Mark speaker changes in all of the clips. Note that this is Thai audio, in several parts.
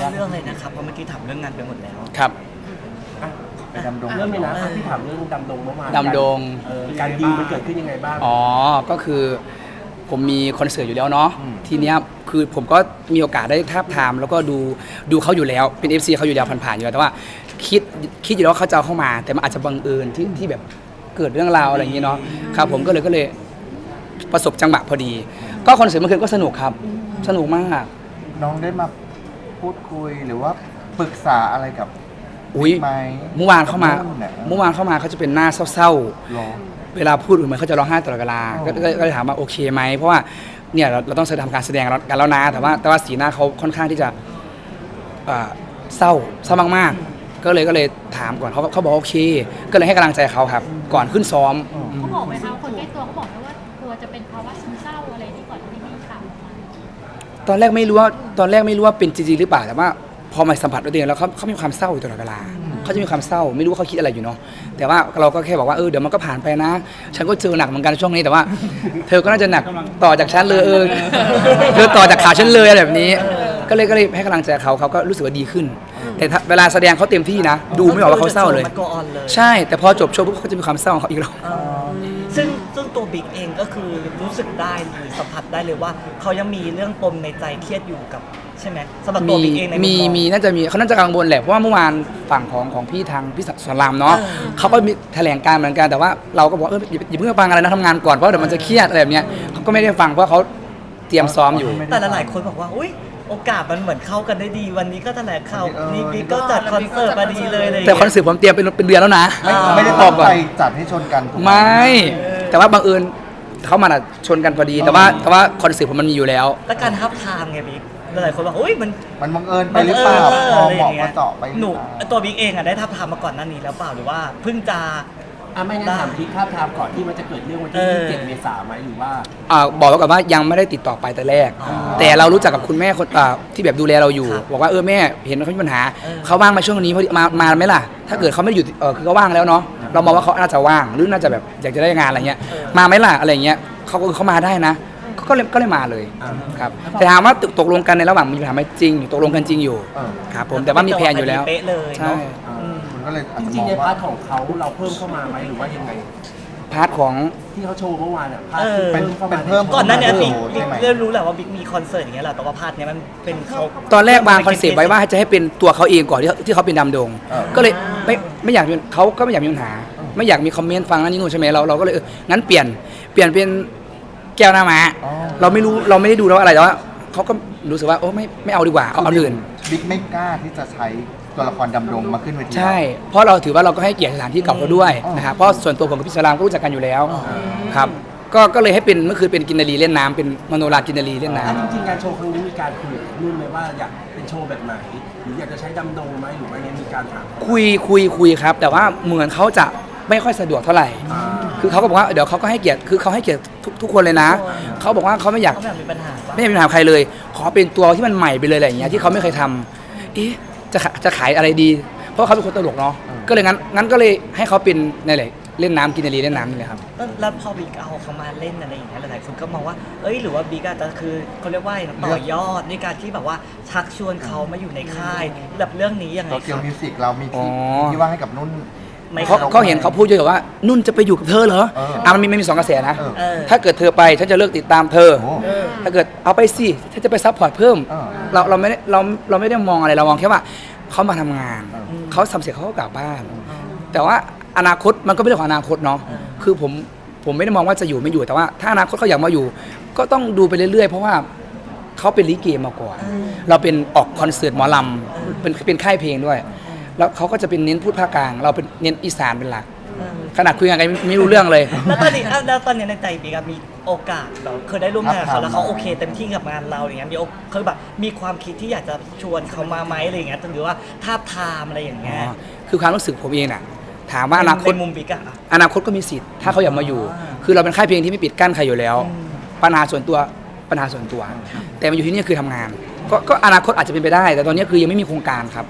Speaker 1: เรื่องเลยนะครับเพราะเมื่อกี้ถามเรื่องงานไปหมดแล้ว
Speaker 2: ครับ
Speaker 3: ไปดำดง
Speaker 4: เรื่องเลยนะที่ถามเรื่องดำดงเมื่อวาน
Speaker 2: ดำดง
Speaker 4: การดีลมันเกิดขึ้นยังไงบ้าง
Speaker 2: อ๋อก็คือผมมีคอนเสิร์ตอยู่แล้วเนาะทีเนี้ยคือผมก็มีโอกาสได้ทาบทามแล้วก็ดูเขาอยู่แล้วเป็น FC เขาอยู่แล้วผ่านๆอยู่แล้วแต่ว่าคิดอยู่แล้วว่าเขาจะเอาเข้ามา แต่มันอาจจะบังเอิญที่แบบเกิดเรื่องราวอะไรอย่างนี้เนาะครับผมก็เลยประสบจังหวะพอดี ก็คอนเสิร์ตเมื่อคืนก็สนุกครับสนุกมาก
Speaker 3: น้องได้มาพูดคุยหรือว่าปรึกษาอะไรกับ
Speaker 2: อุ้ย
Speaker 3: ไหม
Speaker 2: เมื่อวานเข้ามา
Speaker 3: กับนุ่นน่ะ
Speaker 2: เขาจะเป็นหน้าเศร้า
Speaker 3: หรอ
Speaker 2: ๆเวลาพูดเหมือนเขาจะร้องไห้ตลอดเวลา
Speaker 3: อ๋อ
Speaker 2: ก็เลยถามว่าโอเคไหมเพราะว่าเนี่ยเราต้องทำการแสดงกันแล้วนะแต่ว่าสีหน้าเขาค่อนข้างที่จะเศร้ามากๆก็เลยถามก่อนเขาบอกโอเค ก็เลยให้กำลังใจเขาครับ ก่อนขึ้นซ้อม
Speaker 5: เขาบอกไหมคะคนใกล้ตัวเขาบอกไหมว่ากลัวจะเป็นภาวะซึมเศร้าอะไรที่ก่อนที่มีข่าวออกมา
Speaker 2: ตอนแรกไม่รู้ว่าเป็นจริงๆหรือเปล่าแต่ว่าพอมาสัมผัสด้วยตัวเองแล้วเขามีความเศร้าอยู่ตลอดเวลาเขาจะมีความเศร้าไม่รู้ว่าเขาคิดอะไรอยู่เนาะแต่ว่าเราก็แค่บอกว่าเดี๋ยวมันก็ผ่านไปนะ ฉันก็เจอหนักเหมือนกันช่วงนี้แต่ว่า เธอก็น่าจะหนักต่อจากฉันเลยเธอต่อจากขาฉันเลยอะไรแบบนี้ ก็เลยให้กำลังใจเขาก็รู้สึกว่าดีขึ้น แต่เวลาแสดงเขาเต็มที่นะดูไม่ออกว่าเขาเศร้าเลย
Speaker 1: มันก็ออนเลย
Speaker 2: ใช่แต่พอจบโชว์ปุ๊บเขาจะมีความเศร้าของเขาอีกแล้ว
Speaker 1: ซึ่งตัวบิ๊กเองก็คือรู้สึกได้หรือสัมผัสได้เลยว่าเขายังมีเรื่องปมในใจเครียดอยู่กับใช่ไหมสำหรับตัวบิ๊กเองในมุมมอง
Speaker 2: มีน่าจะมีเขาน่าจะกังวลแหละเพราะว่าเมื่อวานฝั่งของพี่ทางพี่สอนรามเนาะเขาก็มีแถลงการเหมือนกันแต่ว่าเราก็บอกอย่าเพิ่งฟังอะไรนะทำงานก่อนเพราะเดี๋ยวมันจะเครียดอะไรแบบเนี้ยเขาก็ไม่ได้ฟังเพราะเขาเตรียมซ้อมอยู่
Speaker 1: แต่หลายๆคนบอกว่าอุ้ยโอกาสมันเหมือนเข้ากันได้ดีวันนี้ก็แถลงข่าวนี่บิ๊กก็จัดคอนเสิร์ตมาดีเลยอะไรอย่าง
Speaker 2: แต่
Speaker 1: เงี้ย
Speaker 2: คอนเสิร์ตผมเตรียมเป็นเดือนแล้วนะ
Speaker 3: ไม่ได้
Speaker 2: บ
Speaker 3: ตั้
Speaker 2: อง กก่อ
Speaker 3: ใจ
Speaker 2: น
Speaker 3: จัดให้ชนกันถูกห
Speaker 2: ไม่ แต่ว่าบังเอิญเขามาชนกันพอดี แต่ว่าคอนเสิร์ตผมมันมีอยู่แล้ว
Speaker 1: แล้วการทับทามไงบิ๊กหลายๆคนบอกอุ้ยมัน
Speaker 3: มันบังเอิญไปหรือเปล่าพอเหมาะพอเจาะไปหรือ
Speaker 1: หนู
Speaker 3: เปล่า
Speaker 1: ตัวบิ๊กเองอะได้ทับทามมาก่อนหน้านี้แล้วเปล่าหรือว่าเพิ่งจะ
Speaker 4: ไม่งั้นถามทิศภาพทามก่อนที่มันจะเกิดเรื่องวันที่ 27 เมษายนไหมหรือว่า
Speaker 2: บอกไว้ก่อนว่ายังไม่ได้ติดต่อไปแต่แรก แต่เรารู้จักกับคุณแม่คนที่แบบดูแลเราอยู่ บอกว่าแม่เห็นเขามีปัญหาเขาว่างมาช่วงนี้พอดีมาไหมล่ะ ถ้าเกิดเขาไม่ได้อยู่คือเขาว่างแล้วเนาะเรามองว่าเขาน่าจะว่างหรือน่าจะแบบอยากจะได้งานอะไรเงี้ยมาไหมล่ะอะไรเงี้ยเขามาได้นะก็เลยมาเลยครับแต่ถามว่าตกลงกันในระหว่างมีปัญหาไหมจริงตกลงกันจริงอยู่ครับผมแต่ว่ามีแพลนอยู่แล้ว
Speaker 1: เป๊ะเลย
Speaker 2: ใช่
Speaker 1: เนาะ
Speaker 3: คุณก็เลยอาจ
Speaker 4: จ
Speaker 3: จะ
Speaker 4: ริ
Speaker 3: ม
Speaker 4: ง
Speaker 3: อง
Speaker 4: ๆใน
Speaker 3: ว่า
Speaker 4: พาร์ทของเขาเราเพิ่มเข้ามาไหมหรือว่ายังไง
Speaker 2: พาร์ทของ
Speaker 4: ที่เขาโชว์เมื่อวานอ่ะพาร์ทที่เพิ่มเข้ามา
Speaker 3: เป็นเพิ่ม
Speaker 1: ก่อนหน้านี้บิ๊ก
Speaker 3: ใช่ไหม
Speaker 1: เริ่มรู้แหละว่าบิ๊กมีคอนเสิร์ตอย่างเงี้ยแหละแต่ว่าพาร์ทเนี้ยมันเป็นเขา
Speaker 2: ตอนแรกวางคอนเซปต์ไว้ว่าจะให้เป็นตัวเขาเองก่อนที่เขาเป็นดำดง ก็เลยไม่อยากมีเขาก็ไม่อยากมีปัญหา ไม่อยากมีคอมเมนต์ฟังนั่นนี่นู่นใช่ไหมเราก็เลยงั้นเปลี่ยนเป็นแก้วหน้าม้า
Speaker 3: อ๋อ
Speaker 2: เราไม่ได้ดูแล้วอะไรแต่ว่าเขาก็รู้สึกว่าไม่เอาดีกว่าเอาอื่น
Speaker 3: บิ๊กไม่กล้าที่จะใช้ตัวละครดำดงมาขึ้นเวที
Speaker 2: ใช่ เพราะเราถือว่าเราก็ให้เกียรติสถานที่เก่าเขาด้วย
Speaker 3: อ๋อ
Speaker 2: นะครับเพราะส่วนตัวผมกับพี่สลามก็รู้จักกันอยู่แล้วครับก็เลยให้เป็นเมื่อคืนเป็นกินนารีเล่นน้ำเป็นมโนรากินนารีเล่นน้ำ
Speaker 4: จริงๆการโชว์ครั้งนี้มีการคุยกับนุ่นไหมว่าอยากเป็นโชว์แบบไหนหรืออยากจะใช้ดำดงไหมหรือว่ายังมีการถามเขา
Speaker 2: คุยครับ แต่ว่าเหมือนเขาจะไม่ค่อยสะดวกเท่าไหร่ คือเขาก็บอกว่าเดี๋ยวเขาก็ให้เกียรติคือเขาให้เกียรติทุกคนเลยนะเขาบอกว่าเขาไม่อยาก
Speaker 1: เขาแบบมีปัญหาปะ
Speaker 2: ไม่อยากมีปัญหากับใครเลย ขอเป็นตัวที่มันใหม่ไปเลยอะไรอย่างเงี้ยที่เขาไม่เคยทำจะขายอะไรดี เพราะเขาเป็นคนตลกเนาะก็เลยงั้นก็เลยให้เขาเป็นนี่แหละเล่นน้ำกินนารีเล่นน้ำนี่แหละครับ
Speaker 1: แล้วพอบิ๊กเอาเขามาเล่นอะไรอย่างเงี้ยหลายๆคนก็มองว่าหรือว่าบิ๊กอาจจะคือเขาเรียกว่าต่อยอดในการที่แบบว่าชักชวนเขามาอยู่ในค่ายแบบเรื่องนี้ยังไง
Speaker 3: โตเกียว
Speaker 1: ครับ
Speaker 3: มิวสิกเรามี
Speaker 2: อ๋อ
Speaker 3: ที่ว่างให้กับนุ่น
Speaker 1: ไม่
Speaker 2: เขาเห็นเขาพูดเยอะว่านุ่นจะไปอยู่กับเธอเหรอ มันมีสองกระแสนะ
Speaker 3: เออ
Speaker 2: ถ้าเกิดเธอไปฉันจะเลิกติดตามเธอ
Speaker 3: โอ้
Speaker 2: ถ้าเกิดเอาไปสิฉันจะไปซัพพอร์ตเพิ่ม เราไม่ได้มองอะไรเรามองแค่ว่าเขามาทำงาน เขาทำเสร็จเขาก็กลับบ้าน แต่ว่าอนาคตมันก็เป็นเรื่องของอนาคตเนาะคือผมไม่ได้มองว่าจะอยู่ไม่อยู่แต่ว่าถ้าอนาคตเขาอยากมาอยู่ ก็ต้องดูไปเรื่อยๆเพราะว่าเขาเป็นลิเกมาก่อนเราเป็นออกคอนเสิร์ตหมอลำเป็นค่ายเพลงด้วย แล้วเขาก็จะเป็นเน้นพูดภาคกลางเราเป็นเน้นอีสานเป็นหลัก ขนาดคุยกันไม่รู้เรื่องเลย
Speaker 1: แล้วตอนนี้ในใจบิ๊กมีโอกาสเราเคยได้ร่วมงานกับเขาแล้วเขาโอเคเต็มที่กับงานเราอย่างเงี้ยคือแบบมีความคิดที่อยากจะชวนเขามาไหมอะไรอย่างเงี้ยหรือว่าทาบทามอะไรอย่างเงี้ย
Speaker 2: คือความรู้สึกผมเองน่ะถามว่าอนาคต
Speaker 1: ในมุมบิ๊กอะ
Speaker 2: อนาคตก็มีสิทธิ์ถ้าเขาอยากมาอยู่ คือเราเป็นค่ายเพลงที่ไม่ปิดกั้นใครอยู่แล้ว ปัญหาส่วนตัว แต่มาอยู่ที่นี่คือทำงาน ก็อนาคตอาจจะเป็นไปได้ แต่ตอนนี้คือยังไม่มีโครงการครับ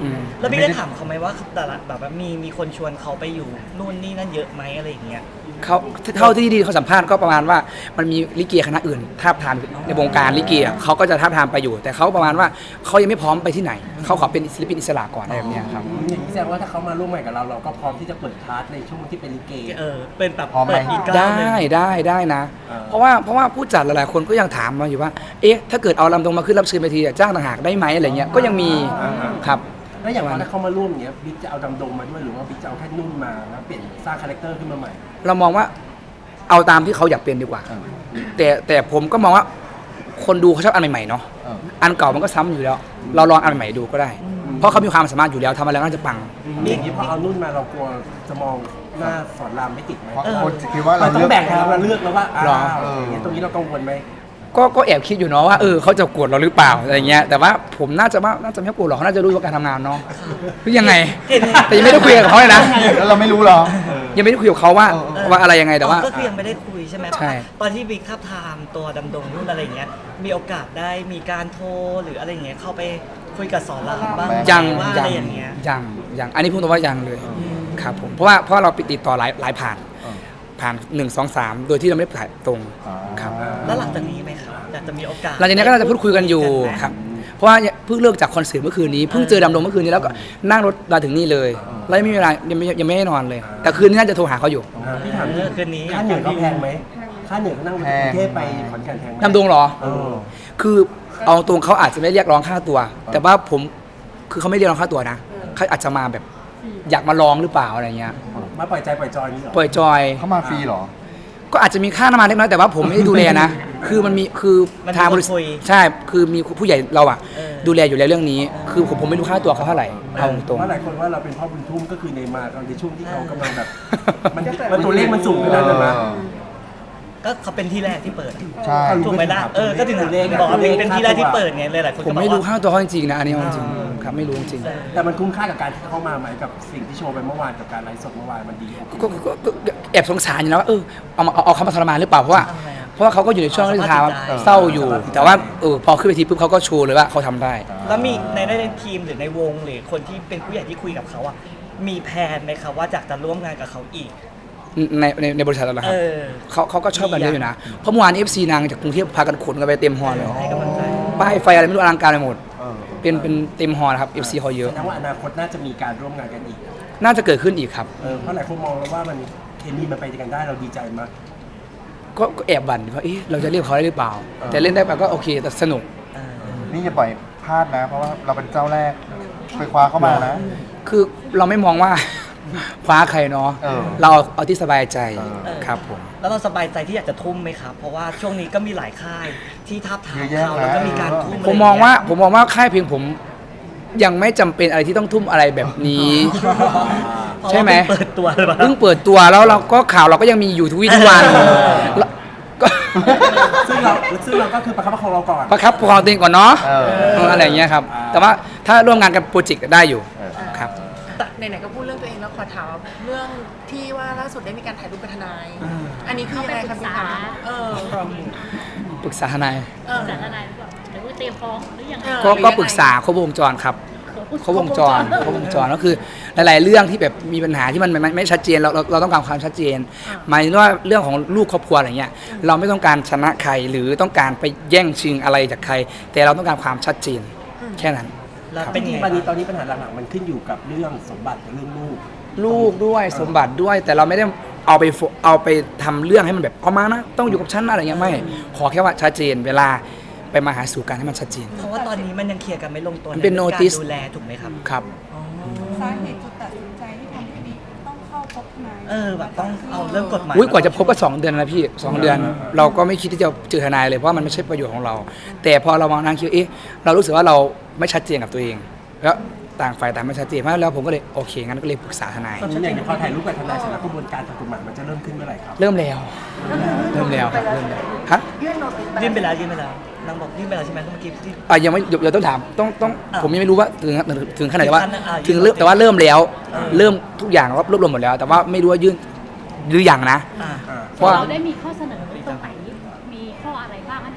Speaker 2: อืม
Speaker 1: แล้วพี่ได้ถามเขาไหมว่าแต่ละแบบว่ามีคนชวนเขาไปอยู่นู่นนี่นั่นเยอะไหมอะไรอย่างเงี้ย
Speaker 2: เขาเท่าที่ดีเขาสัมภาษณ์ก็ประมาณว่ามันมีลิเกคณะอื่นทาบทามในวงการลิเกอะเขาก็จะทาบทามไปอยู่ แต่เขาประมาณว่าเขายังไม่พร้อมไปที่ไหนเขาขอเป็นศิลปินอิสระก่อนอะไรแบบเนี้ยครับ
Speaker 4: อย่างนี้แสดงว่าถ้าเขามาร่วมงานกับเราเราก็พร้อมที่จะเปิดคลาสในช่วงที่เป็นลิเก
Speaker 1: เป็นแบบ
Speaker 3: พร้อมไหม
Speaker 1: เปิดอีกก้าวหนึ่ง
Speaker 2: ได้นะ
Speaker 4: อ่า
Speaker 2: เพราะว่าผู้จัดหลายๆคนก็ยังถามมาอยู่ว่า เอ๊ะถ้าเกิดเอาลำตรงมาขึ้นรับเชิญเวทีจ้างต่างหากได้ไหมอะไรเงี้ยก็ยังมีครับ
Speaker 4: แล้วอย่างถ้าเขามาร่วมอย่างเงี้ยบิ๊กจะเอาดำดงมาด้วยหรือว่าบิ๊กจะเอาแค่นุ่นมาแล้วเปลี่ยนสร้างคาแรคเตอร์ขึ้นมาใหม่
Speaker 2: เรามองว่าเอาตามที่เขาอยากเป็นดีกว่า แต่ผมก็มองว่าคนดูเขาชอบอันใหม่ๆเนาะ อันเก่ามันก็ซ้ำอยู่แล้ว เราลองอันใหม่ๆดูก็ได้ เพราะเขามีความสามารถอยู่แล้วทำอะไรก็น่าจะปัง
Speaker 4: อย่างนี้พอเอานุ่นมาเรากลัวจะมองหน้าสอนรามไม่ติดไหม
Speaker 3: เพราะคนจะคิดว่า
Speaker 4: เรา
Speaker 3: เรา
Speaker 4: ต้อ
Speaker 3: เลือก
Speaker 4: งแบ่งให้เราเลือกแล้วว่า
Speaker 2: หรอ
Speaker 4: อย่างเงี้ยตรงนี้เรากังวลไหม
Speaker 2: ก็แอบคิดอยู่เนาะว่าเขาจะโกรธเราหรือเปล่าอะไรเงี้ยแต่ว่าผมน่าจะไม่โกรธหรอกเขาน่าจะรู้ว่าการทำงานเนาะหรือยังไง แต่ยังไม่ได้คุยกับเขาเลยนะ
Speaker 3: แล้วเราไม่รู้เหรอ
Speaker 2: ยังไม่ได้คุยกับเขาว่าอะไรยังไงแต่ว่า
Speaker 1: ก็คือยังไม่ได้คุยใช่ไหม
Speaker 2: ใช่
Speaker 1: ตอนที่บิ๊กทับทามตัวดำดงนู่นอะไรอย่างเงี้ยมีโอกาสได้มีการโทรหรืออะไรอย่างเงี้ยเข้าไปคุยกับสอนรามบ้างไหม
Speaker 2: ยัง
Speaker 1: ว่าอะไรอย่างเงี้ย
Speaker 2: ยังอันนี้พูดตรงว่ายังเลยครับผมเพราะว่าเราติดต่อหลายผ่าน1 2 3โดยที่เราไม่ได้ถ่ายตรงครับ
Speaker 1: แล้วหลังจากนี้ไหมครับอยากจะมีโอกาส
Speaker 2: หลังจากนี้ก็น่าจะพูดคุยกันอยู่ครับเพราะว่าเพิ่งเลิกจากคอนเสิร์ตเมื่อคืนนี้เพิ่งเจอดำดงเมื่อคืนนี้แล้วก็นั่งรถมาถึงนี่เลยแล้วยังไม่มีเวลายังไม่ให้นอนเลย แต่คืนนี้น่าจะโทรหาเขาอยู่
Speaker 4: พี่ถาม
Speaker 1: คืนนี้
Speaker 4: ค่าเหนื่อยเขาแพงไหมค่าเหนื่อยเขานั่งจากกรุงเทพไปขอนแก่นแพงไหม
Speaker 2: ดำดงเหรอ
Speaker 4: เออ
Speaker 2: คือเอาตรงเขาอาจจะไม่เรียกร้องค่าตัว แต่ว่าผมคือเขาไม่เรียกร้องค่าตัวนะเขาอาจจะมาแบบอยากมาลองหรือเปล่าอะไรเงี้ย
Speaker 4: มาปล่อยใจปล่อยจอยนี่เหรอ
Speaker 2: ปล่อยจอย
Speaker 3: เขามาฟรีเหรอ
Speaker 2: ก็อาจจะมีค่าน้ำมันเล็กน้อยแต่ว่าผมไม่ได้ดูแลนะ คือมันมีคือ
Speaker 1: มันมี
Speaker 2: ทางบริษั
Speaker 1: คน
Speaker 2: ท
Speaker 1: คุย
Speaker 2: ใช่คือมีผู้ใหญ่เราอ่ะ
Speaker 1: เออ
Speaker 2: ดูแลอยู่แล้วเรื่องนี้ คือผมไม่รู้ค่าตัวเขาเท่าไหร่เอาตรง
Speaker 4: เพราะหลายคนว่าเราเป็นพ่อบุญทุ่มก็คือในมาตอนในช่วงที่เขากำลังแบบมันตัวเลขมันสูงขนาดนั้นนะ
Speaker 1: ก็เขาเป็นที่แรกที่เปิด
Speaker 3: ใช่
Speaker 1: ถูกไหมล่ะก็ถึงบอกว่าเป็นที่แรกที่เปิดไงเลยหลายคน
Speaker 2: ผ
Speaker 1: ก็
Speaker 2: ม
Speaker 1: บอก
Speaker 2: ไม่รู้
Speaker 1: ว่า
Speaker 2: ค่าตัวเขาจริงๆนะอันนี้เอาจริงครับไม่รู้จริง
Speaker 4: แต่มันคุ้มค่ากับการที่เข้ามาไหมกับสิ่งที่โชว์ไปเมื่อวานกับการไลฟ์สดเมื่อวานมันดี
Speaker 2: ก็แอบสงสารอยู่นะว่าเอาเขามาทรมานหรือเปล่าเพราะว่าเขาก็อยู่ในช่วงที่ทางเศร้าอยู่ แต่ว่าพอขึ้นเวทีปุ๊บเขาก็โชว์เลยว่าเขาทำได้
Speaker 1: แล้วมีในทีมหรือในวงหรือคนที่เป็นผู้ใหญ่ที่คุยกับเขาอะมีแผนไหมครับว่าอยากจะร่วมงานกับเขาอีก
Speaker 2: ในบริษัทเราครับ
Speaker 1: เออ
Speaker 2: เขาก็ชอบกันเยอะอยู่นะเพราะเมื่อวาน FC นางจากกรุงเทพพากันขนกันไปเต็มฮอลเลย
Speaker 1: ให้กำลังใจ
Speaker 2: ป้ายไฟอะไรไม่รู้อลังการไปหมด
Speaker 3: เออ
Speaker 2: เป็นเต็มฮอลนะครับ FC เขาเยอะ
Speaker 4: แสดงว่าอนาคตน่าจะมีการร่วมงานกันอีก
Speaker 2: น่าจะเกิดขึ้นอีกครับ
Speaker 4: เพราะหลายคนมองแล้วว่ามันเคมีมันไปด้วยกันได้เราดีใจมาก
Speaker 2: ก็แอบบั่นว่าเราจะเรียกเขาได้หรือเปล่า แต่เล่นได้ไปก็โอเคแต่สนุก
Speaker 3: นี่อย่าปล่อยพลาดนะ เพราะว่าเราเป็นเจ้าแรกไปคว้าเข้ามานะ
Speaker 2: คือเราไม่มองว่า คว้าใครเนาะ
Speaker 3: เออ
Speaker 2: เราเอาที่สบายใจ
Speaker 3: เออ
Speaker 2: ครับผม
Speaker 1: แล้วเราสบายใจที่อยากจะทุ่มไหมครับ เพราะว่าช่วงนี้ก็มีหลายค่ายที่ทับทาม
Speaker 3: เยอะแยะ
Speaker 1: เขาแล้วก็มีการทุ่ม
Speaker 2: ผมมองว่าค่ายเพลงผมยังไม่จำเป็นอะไรที่ต้องทุ่มอะไรแบบนี้ ใช่ไหม
Speaker 1: เพราะว่าเพิ่งเปิดตัวหรือเปล่า
Speaker 2: เพิ่งเปิดตัวแล้วเราก็ข่าวเราก็ยังมีอยู่ทุกวี่ทุกวันแล้วก็
Speaker 4: ซึ่งเราก็คือประคับประคองเราก่อน
Speaker 2: ประคับประคองตัวเองก่อนเนาะ
Speaker 3: เออ
Speaker 2: อะไรอย่างเงี้ยครับ แต่ว่าถ้าร่วมงานกับโปรเจกต์ได้อยู่ครับ
Speaker 6: ไหนๆก็พูดเรื่องตัวเองแล้วขอถามเรื่องที่ว่าล่าสุดได้มีการถ่ายรูปกับทนาย อันนี้คือยังไงครับพี่คะ
Speaker 2: ปรึกษาทนาย
Speaker 5: สารอะไรหรือเปล่าหรือว่าเตรียมฟ้องหรือยังไง
Speaker 2: ก็ปรึกษาครบวงจรครับครบวงจรก็คือหลาย ๆ เรื่องที่แบบมีปัญหาที่มันไม่ชัดเจนเราต้องการความชัดเจนหมายถึงว่าเรื่องของลูกครอบครัวอะไรเงี้ยเราไม่ต้องการชนะใครหรือต้องการไปแย่งชิงอะไรจากใคร แต่เราต้องการความชัดเจนแค่นั้น
Speaker 1: แล้ว
Speaker 4: เป็
Speaker 1: เป็น น
Speaker 4: จริง
Speaker 1: ไง
Speaker 4: ๆตอนนี้ปัญหาหลักๆมันขึ้นอยู่กับเรื่องสมบัติกับเรื่องลูก
Speaker 2: ลูกด้วยสมบัติด้วยแต่เราไม่ได้เอาไปทำเรื่องให้มันแบบเอามานะต้องอยู่กับฉันอะไรเงี้ยไม่ขอแค่ว่าชัดเจนเวลาไปมาหาสู่กันให้มันชัดเจน
Speaker 1: เพราะว่าตอนนี้มันยังเคลียร์กันไม่ลงตัว
Speaker 2: มันเป็น
Speaker 1: ใรื่อง
Speaker 2: notice
Speaker 1: การดูแลถูกไหมครับ
Speaker 2: ครับ
Speaker 7: สาเหตุจุดตัดสินใจที่ทำให้บิ๊กต้องเข้าพบทนาย
Speaker 1: แบบต้องเอาเรื่องกฎหมาย
Speaker 2: กว่าจะพบก็2 เดือนนะพี่2 เดือน เราก็ไม่คิดที่จะเจอทนายเลยเพราะมันไม่ใช่ประโยชน์ของเรา แต่พอเรามองนั่งคิดเรารู้สึกว่าเราไม่ชัดเจนกับตัวเอง แล้วต่างฝ่ายต่างไม่ชัดเจนเพราะแล้วผมก็เลยโอเคงั้นก็เลยปรึกษาทนาย
Speaker 4: ตอนนี้อย่างพอถ่ายรูปกับทนายเสร็จแล้วกระบวนการทางกฎหมายมันจะเริ่มขึ้นเมื่อไหร่ครับ
Speaker 2: เริ่มแล้วครับฮะ
Speaker 1: ยื่นไปแล้วนางบอกยื่นไปแล้วใช่ไหมเมื่อกี้ที่
Speaker 2: ยังไม่เดี๋ยวต้องถามต้อง
Speaker 1: อ่ะ
Speaker 2: ผมยังไม่รู้ว่าถึงขนาดไหนว่า
Speaker 1: ถึงขั้น
Speaker 2: ถึงเริ่มแต่ว่าเริ่มแล้ว เริ่มทุกอย่างรวบรวมหมดแล้ว แต่ว่าไม่รู้ว่ายื่นหรือยังนะ
Speaker 1: อ่า
Speaker 2: เพราะว่า
Speaker 5: เราได้มีข้อเสนอตรงไหนมีข้ออะไรบ้างอัน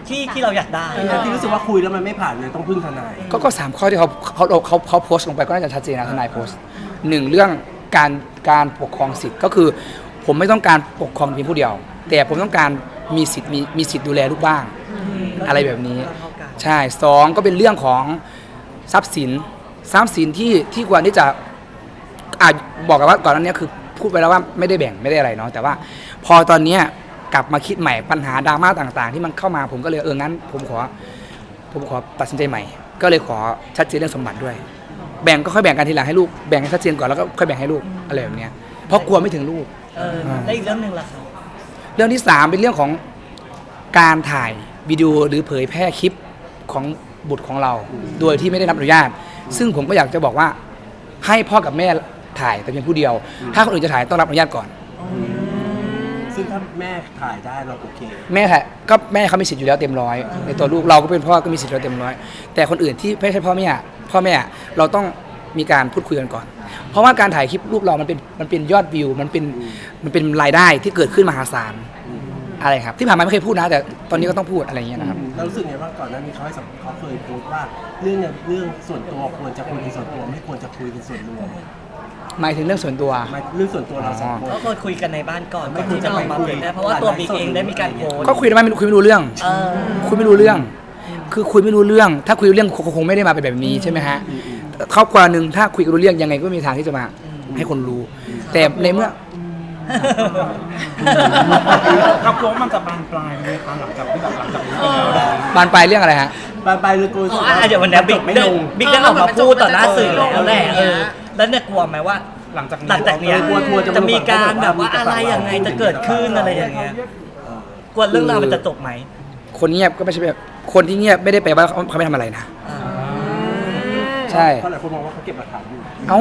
Speaker 1: ที่เราอยากได้
Speaker 4: ที่รู้สึกว่าคุยแล้วมันไม่ผ่านเลยต้องพึ่งทนาย
Speaker 2: ก็สามข้อที่เขาโพสต์ลงไปก็น่าจะชัดเจนนะทนายโพสต์หนึ่งเรื่องการปกครองสิทธิ์ก็คือ ผมไม่ต้องการปกครองเพียงผู้เดียว แต่ผมต้องการมีสิทธิ์ดูแลลูกบ้าง อะไรแบบนี้ ใช่สองก็เป็นเรื่องของทรัพย์สินที่ควรที่จะบอกกันว่าก่อนหน้านี้คือพูดไปแล้วว่าไม่ได้แบ่งไม่ได้อะไรเนาะแต่ว่าพอตอนเนี้ยกลับมาคิดใหม่ปัญหาดราม่าต่างๆ ที่มันเข้ามาผมก็เลยงั้นผมขอตัดสินใจใหม่ ก็เลยขอชัดเจนเรื่องสมบัติด้วย แบ่งก็ค่อยแบ่งกันทีหลังให้ลูกแบ่งให้ชัดเจนก่อนแล้วก็ค่อยแบ่งให้ลูกอะไรแบบเนี้ยเพราะกลัวไม่ถึงลูก
Speaker 1: และอีกเรื่องหนึ่งล่ะครับ
Speaker 2: เรื่องที่สามเป็นเรื่องของการถ่ายวิดีโอหรือเผยแพร่คลิปของบุตรของเรา โดยที่ไม่ได้รับอนุญาต ซึ่งผมก็อยากจะบอกว่าให้พ่อกับแม่ถ่ายแต่เพียงผู้เดียว ถ้าคนอื่นจะถ่ายต้องรับอนุญาตก่อน
Speaker 4: ซึ่งถ้าแม่ถ่ายได้เราโอเค
Speaker 2: แม่ถ่ายก็แม่เขามีสิทธิ์อยู่แล้วเต็มร้อยในตัวลูกเราก็เป็นพ่อก็มีสิทธิ์อยู่แล้วเต็มร้อยแต่คนอื่นที่ไม่ใช่พ่อแม่เราต้องมีการพูดคุยกันก่อน เพราะว่าการถ่ายคลิปลูกเรามันเป็นยอดวิวมันเป็นรายได้ที่เกิดขึ้นมหาศาลอะไรครับที่ผ่านมาไม่เคยพูดนะแต่ตอนนี้ก็ต้องพูดอะไรอย่างเงี้ยนะครับ
Speaker 4: เรารู้สึกไงว่าก่อนหน้านี้เขาเคยโพสต์ว่าเรื่องส่วนตัวควรจะคุยเป็นส่วนตัวไม่ควรจะคุยเป็นส่วนรวม
Speaker 2: หมายถึงเรื่องส่วนตัว
Speaker 4: เรื่องส่วนตัวเราสองคน
Speaker 1: ก็เคยคุยกันในบ้านก่อนที่จะออกมาเผยแพร่เพราะว่าตัวบิ๊กเองได้มีการโพสต์
Speaker 2: ก็คุยได้ไหมคุยไม่รู้เรื่อง คุยไม่รู้เรื่อง คือคุยไม่รู้เรื่อง ถ้าคุยรู้เรื่องคงไม่ได้มาเป็นแบบนี้ใช่ไหมฮะครอบครัวหนึ่งถ้าคุยรู้เรื่องยังไงก็มีทางที่จะมาให้คนรู้ แต่ในเมื่อ
Speaker 8: ครับกลัวว่ามันจะบานปลายไหมคะหลังจากนี้เป็นแล้ว
Speaker 2: บานปลายเรื่องอะไรฮะ
Speaker 4: ไปเลยกู
Speaker 1: เดี๋ยววันนี้บิ๊ก
Speaker 4: ไม่ลง
Speaker 1: ได้ออกมาพูดต่อหน้าสื่อแล้วแหละแล้วเนี่ยกลัวไหมว่า
Speaker 8: หลังจาก
Speaker 1: หลังจากเนี้ย
Speaker 4: กลัวจะ
Speaker 1: จะมีการแบบว่าอะไรยังไงจะเกิดขึ้นอะไรอย่างเงี้ยกลัวเรื่องราวมันจะจบไหม
Speaker 2: คนเงียบก็ไม่ใช่แบบคนที่เงียบไม่ได้แปลว่าเขาไม่ทำอะไรนะ ใช่
Speaker 4: เพราะหลายคนมองว่าเขาเก็บหลักฐานอยู่
Speaker 2: เอา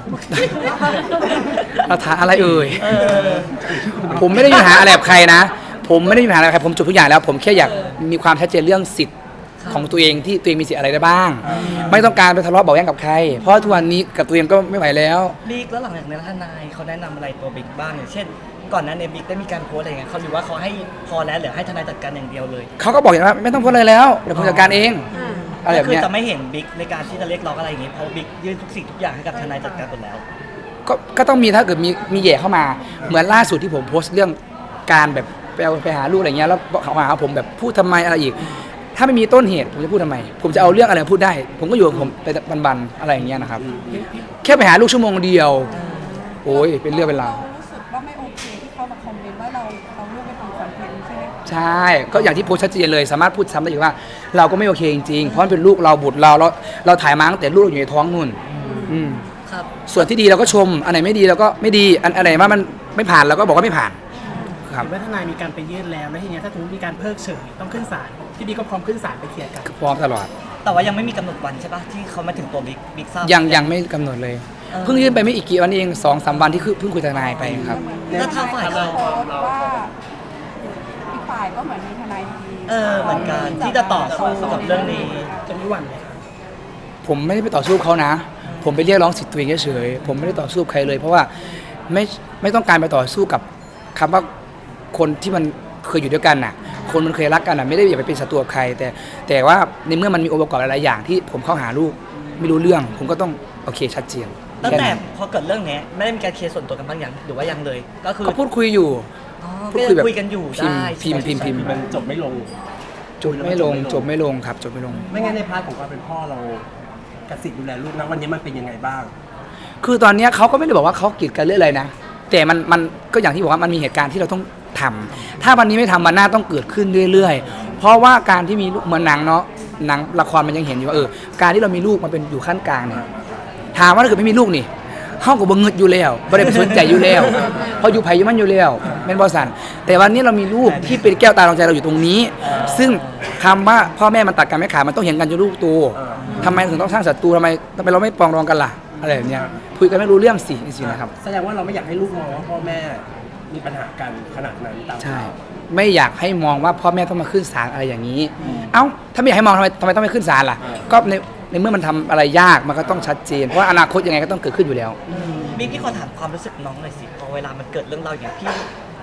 Speaker 2: เราถามอะไรเอ่ยผมไม่ได้มีปัญหาอะไรกับใครนะ ผมไม่ได้มีปัญหาอะไรกับใครผมจบทุกอย่างแล้ว ผมแค่อยากมีความชัดเจนเรื่องสิทธิ์ของตัวเองที่ตัวเองมีสิทธิ์อะไรได้บ้าง ไม่ต้องการไปทะเลาะเบาะแว้งกับใคร เพราะทุกวันนี้กับตัวเองก็ไม่ไหวแล้ว
Speaker 1: บิ๊กแล้วหลังจากนั้นทนายเขาแนะนำอะไรตัวบิ๊กบ้างอย่างเช่น ก่อนหนั้นเนี่ยบิ๊กได้มีการโพสอะไรเงี้ยเขาหรือว่าเขาให้พอแล้วหรือให้ทนายจัดการอย่างเดียวเลย
Speaker 2: เขาก็บอกอย่างว่าไม่ต้องพูดอะไรแล้วเดี๋ยวผมจัดการเองอะไรแบ
Speaker 1: ก็
Speaker 2: บ
Speaker 1: คือ
Speaker 2: เนี้ย
Speaker 1: จะไม่เห็นบิ๊กในการที่จะเรียกร้องอะไรอย่างงี้เพราะบิ๊กยื่นทุกสิ่งทุกอย่างให้กับทนายจัดการหมดแล้ว
Speaker 2: ก็ต้องมีถ้าเกิดมีแย่เข้ามาเหมือนล่าสุดที่ผมโพสต์เรื่องการแบบไปหาลูกอะไรเงี้ยแล้วเขาหาผมแบบพูดทำไมอะไรอีก ถ้าไม่มีต้นเหตุผมจะพูดทำไม ผมจะเอาเรื่องอะไรมาพูดได้ ผมก็อยู่ของผมไปบันๆอะไรอย่างเงี้ยนะครับ แค่ไปหาลูกชั่วโมงเดียว โอ้ยเป็นเรื่องเป็นราว
Speaker 7: รู้สึกว่าไม่โอเคที่เขามาคอมเมนต์ว่าเราเลือกไปทำคอนเทนต์ใช่ไหม
Speaker 2: ใช่ ก็อย่างที่โพสต์ชัดเจนเลยสามารถพูดซ้ำได้อีกว่า เราก็ไม่โอเคจริงๆเพราะมันเป็นลูกเราบุตรเราถ่ายมาตั้งแต่ลูกเราอยู่ในท้องนู่น
Speaker 1: ครับ
Speaker 2: ส่วนที่ดีเราก็ชมอันไหนไม่ดีเราก็ไม่ดีอันไหนว่ามันไม่ผ่านเราก็บอกว่าไม่ผ่านครับ
Speaker 8: เห็นว่าทนายมีการไปยื่นแล้วทีนี้ถ้าสมมติมีการเพิกเฉยต้องขึ้นศาลพี่บิ๊กก็พร้อมขึ้นศาลไปเคลียร์กัน
Speaker 2: พร้อมตลอด
Speaker 1: แต่ว่ายังไม่มีกำหนดวันใช่ปะที่เขามาถึงตัวบิ๊กทราบ
Speaker 2: ยังไม่กำหนดเลย เพิ่งยื่นไปไม่อีกกี่วันเอง2-3 วันที่เพิ่งคุยกับทนายไปครับ
Speaker 1: แล้วทางฝ่าย
Speaker 7: เขา
Speaker 1: เรา
Speaker 7: โพสต์ว่าอีกฝ่ายก็เหมือนมีทนายดี
Speaker 1: เหมือนกันที่จะต่อสู้กับเรื่องนี้
Speaker 8: จะมีหวั่นไหมครับ
Speaker 2: ผมไม่ได้ไปต่อสู้เขานะ ผมไปเรียกร้องสิทธิ์ตัวเองเฉยๆผมไม่ได้ต่อสู้กับใครเลย เพราะว่าไม่ต้องการไปต่อสู้กับคำว่าคนที่มันเคยอยู่ด้วยกันน่ะ คนมันเคยรักกันน่ะไม่ได้อยากไปเป็นศัตรูกับใคร แต่ว่าในเมื่อมันมีองค์ประกอบหลายๆอย่างที่ผมเข้าหาลูกไม่รู้เรื่อง ผมก็ต้องโอเคชัดเจน
Speaker 1: ตั้ง
Speaker 2: ค่
Speaker 1: แต่
Speaker 2: นั้น
Speaker 1: พอเกิดเรื่องนี้ไม่ได้มีการเคลียร์ส่วนตัวกันบ้างยังหรือว่ายังเลย ก็คือ
Speaker 2: ก็พูดคุยอยู่
Speaker 1: อ๋อ
Speaker 2: พูดคุยแบบ
Speaker 1: คุยกันอยู่ได้
Speaker 2: พิมพ์
Speaker 4: มันจบไม่ลง
Speaker 2: จบไม่ลงครับจบไม่ลง
Speaker 4: ไม่งั้นในพาร์ทของความเป็นพ่อเรากับสิทธิ์ดูแลลูกนะวันนี้มันเป็นยังไงบ้าง
Speaker 2: คือตอนเนี้ยเขาก็ไม่ได้บอกว่าเขากีดกันเรื่องอะไรนะ แต่มันก็อย่างที่บอกว่ามันมีเหตุการณ์ที่เราต้องทำถ้าวันนี้ไม่ทำมันหน้าต้องเกิดขึ้นเรื่อยๆ เพราะว่าการที่มีลูกเหมือนหนังเนาะหนังละครมันยังเห็นอยู่ว่าการที่เรามีลูกมันเป็นอยู่ขั้นกลางเนี่ยถามว่าถ้าเกิดไม่มีลูกนี่เฮาก็บ่เงิดอยู่แล้วบ่ได้ไปสนใจอยู่แล้วเพราะอยู่ไผอยู่มันอยู่แล้วแม่นบ่สั่นแต่วันนี้เรามีลูกที่เป็นแก้วตาดวงใจเราอยู่ตรงนี้ ซึ่งคำว่าพ่อแม่มันตัดกันไม่ขาดมันต้องเห็นกันจนลูกโตทำไมถึงต้องสร้างศัตรูทำไมเราไม่ปรองดองกันล่ะอะไรแบบเนี้ยคุยกันไม่รู้เรื่องสินะครับ
Speaker 4: แสดงว่าเราไม่อยากให้ลูกมองว่าพ่อแม่มีปัญหากันขนาดนั้นตาม
Speaker 2: ใช่ ไม่อยากให้มองว่าพ่อแม่ต้องมาขึ้นศาลอะไรอย่างนี้ เอ้าถ้าไม่อยากให้มองทำไมต้องไปขึ้นศาลล่ะ ก็ในเมื่อมันทำอะไรยากมันก็ต้องชัดเจนเพราะว่าอนาคตยังไงก็ต้องเกิดขึ้นอยู่แล้ว
Speaker 1: บิ๊กพี่ขอถามความรู้สึกน้องหน่อยสิพอเวลามันเกิดเรื่องราวอย่างพี่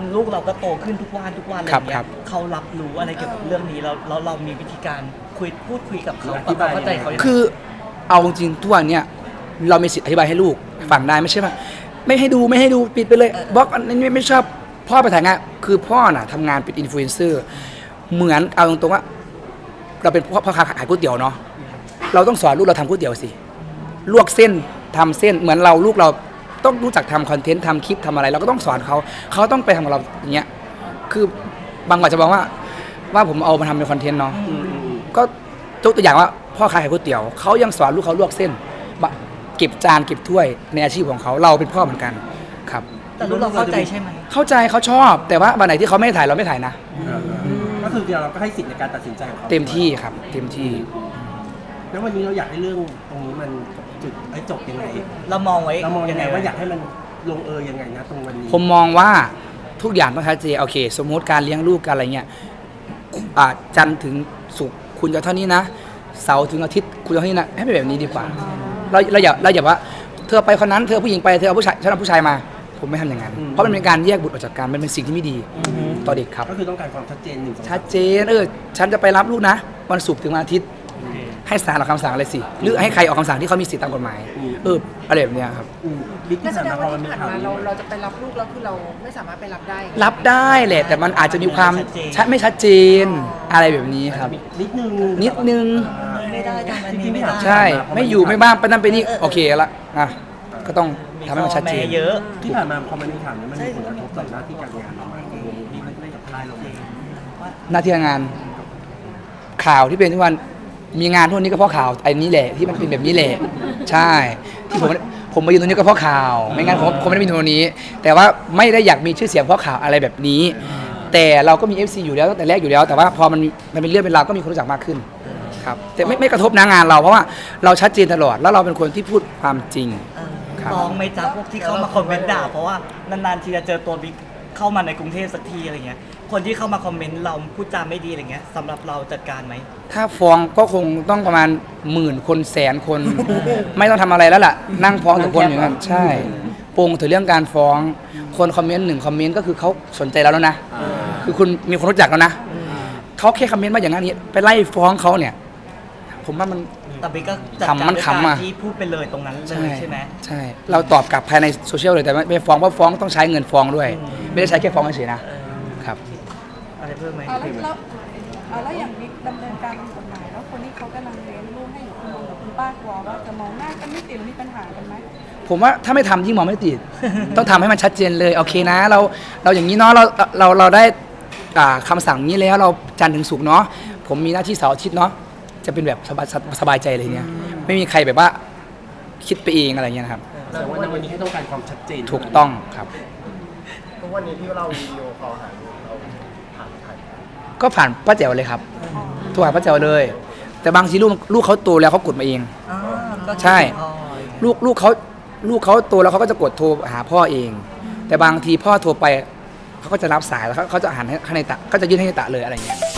Speaker 1: ลูกเราก็โตขึ้นทุกวันอะไรอย่าง
Speaker 2: ครั
Speaker 1: เงี้
Speaker 2: บ
Speaker 1: ยเขารับรู้อะไรเกี่ยวกับเรื่องนี้แล้วเรามีวิธีการพูดคุยกับเขา
Speaker 4: อธิบาย
Speaker 1: เข้าใจเขายังไง
Speaker 2: คือเอาจริงๆทุกวันเนี่ยเรามีสิทธิ์อธิบายให้ลูกฟังได้ไม่ใช่ว่าไม่ให้ดูปิดไปเลยบล็อกอันนี้ไม่ชอบพ่อไปถ่ายงานคือพ่อน่ะทำงานเป็นอินฟลูเอนเซอร์เหมือนเอาตรงๆว่า เราเป็นพ่อค้าขายก๋วยเตี๋ยวเนาะเราต้องสอนลูกเราทำก๋วยเตี๋ยวสิลวกเส้นทำเส้นเหมือนลูกเราต้องรู้จักทำคอนเทนต์ทำคลิปทำอะไรเราก็ต้องสอนเขาต้องไปทำกับเราอย่างเงี้ยคือบางคนจะบอกว่าผมเอามาทำเป็นคอนเทนต์เนาะก็ยกตัวอย่างว่าพ่อขายก๋วยเตี๋ยวเขายังสอนลูกเขาลวกเส้นเก็บจานเก็บถ้วยในอาชีพของเขาเราเป็นพ่อเหมือนกันครับ
Speaker 1: แต่ลูกเราเข้าใจใช่ไหม
Speaker 2: เข้าใจเขาชอบ แต่ว่าวันไหนที่เขาไม่ถ่ายเราไม่ถ่ายนะ
Speaker 4: ก็คือเราก็ให้สิทธิ์ในการตัดสินใจของเขา
Speaker 2: เต็มที่ครับเต็มที่
Speaker 4: แล้ววันนี้เราอยากให้เรื่องตรงนี้มันจบยังไง
Speaker 1: เรามองไว้
Speaker 4: เรามองยังไงว่าอยากให้มันลงยังไงนะตรงวันนี้
Speaker 2: ผมมองว่าทุกอย่างต้องชัดเจนโอเค สมมติการเลี้ยงลูกการอะไรเงี้ยจันทร์ถึงศุกร์คุณจะเท่านี้นะเสาร์ถึงอาทิตย์คุณจะเท่านี้นะให้เป็นแบบนี้ดีกว่าเราอย่าว่าเธอไปคนนั้นเธอผู้หญิงไปเธอเอาผู้ชายฉันเอาผู้ชายมาผมไม่ทำอย่างนั้นเพราะมันเป็นการแยกบุตรออกจากกันมันเป็นสิ่งที่ไม่ดีต่อเด็กครับ
Speaker 4: ก็คือต้องการความชัดเจน1 2
Speaker 2: ชัดเจนฉันจะไปรับลูกนะวันศุกร์ถึงวันอาทิตย์ให้ศาลออกคำสั่งอะไรสิหรือให้ใครออกคำสั่งที่เขามีสิทธิตามกฎหมายอะไรแบบเนี้ยครับ
Speaker 4: บิ๊ก
Speaker 6: นั่
Speaker 4: ที่
Speaker 6: นแส
Speaker 4: ผ่าน
Speaker 6: ดง
Speaker 4: มาพ
Speaker 6: ว่า
Speaker 4: อมันมี
Speaker 6: ที่ผ่าน
Speaker 4: ข่าว
Speaker 6: มา
Speaker 4: นี้
Speaker 6: เราจะไปรับลูกแล้วคือเราไม่สามารถไปรับได้
Speaker 2: รับได้แหละแต่มันอาจจะมีความไม่ชัดเจนอะไรแบบนี้ครับ
Speaker 4: นิดนึง
Speaker 1: ไม่ได้ทำอันนี้ไม่ได้
Speaker 2: ใช่ไม่อยู่ไม่บ้างไปนั่นไปนี่โอเคละก็ต้องทำให้มันชัดเจน
Speaker 1: ข้อแเยอะ
Speaker 4: ที่ผ่านมาพอมันมีข่าวนี้มันมีผลกระทบต่อหน้าที่การงานเราไหมที่มันได้กับค่ายเราเอง
Speaker 2: หน้าที่การงานข่าวที่เป็นทุกวันมีงานทุกวันนี้ก็เพราะข่าวไอ้นี้แหละที่มันเป็นแบบนี้แหละใช่ที่ผมมายืนตรงนี้ก็เพราะข่าวไม่งั้นผมไม่ได้มีตรงนี้ แต่ว่าไม่ได้อยากมีชื่อเสียงเพราะข่าวอะไรแบบนี้ แต่เราก็มี FC อยู่แล้วตั้งแต่แรกอยู่แล้ว แต่ว่าพอมันเป็นเรื่องเป็นราวก็มีคนรู้จักมากขึ้นครับแต่ไม่กระทบนะงานเราเพราะว่าเราชัดเจนตลอดแล้วเราเป็นคนที่พูดความจริง ครับ
Speaker 1: ฟ้องไหม่จ้าพวกที่เข้ามาคอมเมนต์ด่าเพราะว่านานๆทีจะเจอตัวบิ๊กเข้ามาในกรุงเทพสักทีอะไรเงี้ยคนที่เข้ามาคอมเมนต์เราพูดจาไม่ดีอะไรเงี้ยสำหรับเราจัดการไหม
Speaker 2: ถ้าฟ้องก็คงต้องประมาณ10,000 คนแสนคน ไม่ต้องทำอะไรแล้วล่ะ นั่งฟ้องทุกคนอย่างนั้นใช่ปงถึงเรื่องการฟ้องคนคอมเมนต์1คอมเมนต์ก็คือเขาสนใจแล้วนะคือคุณมีคนรู้จักแล้วนะเขาแค่คอมเมนต์มาอย่างนั้นนี้ไปไล่ฟ้องเขาเนี่ยผมว่ามัน
Speaker 1: แต่บิ๊กก็จัด
Speaker 2: ขำ
Speaker 1: การ
Speaker 2: มัน
Speaker 1: ด้วย
Speaker 2: ขำ
Speaker 1: การ
Speaker 2: อะ
Speaker 1: ที่พูดไปเลยตรงนั้นเลยใช่ไหม
Speaker 2: ใช่เราตอบกลับภายในโซเชียลเลยแต่ไม่ฟ้องเพราะฟ้องต้องใช้เงินฟ้องด้วย ไม่ได้ใช้แค่ฟ้องเฉยๆนะครับ
Speaker 1: อะไรเพิ่มไหม
Speaker 7: แล้วอย่างบิ๊กดำเนินการทางกฎหมายแล้วคนที่เขากำลังเลี้ยงลูกให้อยู่คุณลุงกับคุณป้ากลัวว่าจะมองหน้ากันไม่ติดหรือมีปัญหากันไหม
Speaker 2: ผมว่าถ้าไม่ทำยิ่งมองไม่ติด ต้องทำให้มันชัดเจนเลยโอเคนะเราอย่างนี้เนาะเราได้คำสั่งนี้แล้วเราจันทร์ถึงศุกร์เนาะผมมีหน้าที่เสาร์อาทิตย์เนาะจะเป็นแบบสบายใจเลยเนี่ยไม่มีใครแบบว่าคิดไปเองอะไรเงี้ยนะครับ
Speaker 4: แต่ว่าในวันนี้ให้ต้องการความชัดเจน
Speaker 2: ถูกต้องครับ
Speaker 9: ทุกวันนี้ที่เราวิดีโอคอลหาลูกเราผ่านใคร
Speaker 2: ก็ผ่านป้าแจ๋วเลยครับโทรหาป้าแจ๋วเลย แต่บางทีลูกเขาโตแล้วเขากดมาเอง
Speaker 1: อ๋อก็
Speaker 2: ใช่
Speaker 1: อ๋อ
Speaker 2: ลูกเขาโตแล้วเขาก็จะกดโทรหาพ่อเอง แต่บางทีพ่อโทรไปเขาก็จะรับสายแล้วเขาจะหันให้ในตะก็จะยื่นให้ในตะเลยอะไรเงี้ย